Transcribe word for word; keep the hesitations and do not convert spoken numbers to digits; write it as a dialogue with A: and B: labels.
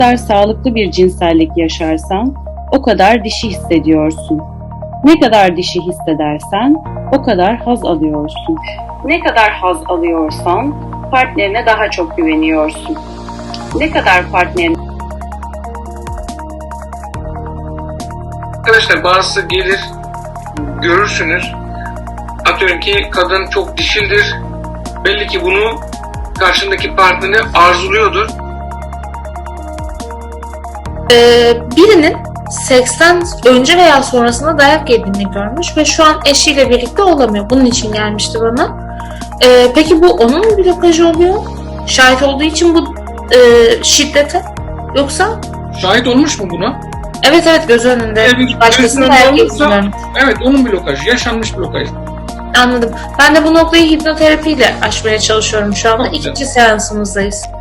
A: kadar sağlıklı bir cinsellik yaşarsan o kadar dişi hissediyorsun. Ne kadar dişi hissedersen o kadar haz alıyorsun. Ne kadar haz alıyorsan partnerine daha çok güveniyorsun. Ne kadar partnerine...
B: Arkadaşlar bazısı gelir, görürsünüz. Atıyorum ki kadın çok dişildir. Belli ki bunu karşındaki partneri arzuluyordur.
C: Ee, birinin seksten önce veya sonrasında dayak yediğini görmüş ve şu an eşiyle birlikte olamıyor. Bunun için gelmişti bana. Ee, peki bu onun mu blokajı oluyor? Şahit olduğu için bu e, şiddete? Yoksa?
B: Şahit olmuş mu buna?
C: Evet evet, göz önünde.
B: Evet,
C: Başkasının
B: gözünün
C: dayak
B: olmuşsa-
C: yediğini görmüş.
B: Evet, onun blokajı, yaşanmış blokaj.
C: Anladım. Ben de bu noktayı hipnoterapiyle aşmaya çalışıyorum şu anda.
B: Çok güzel.
C: İkinci seansımızdayız.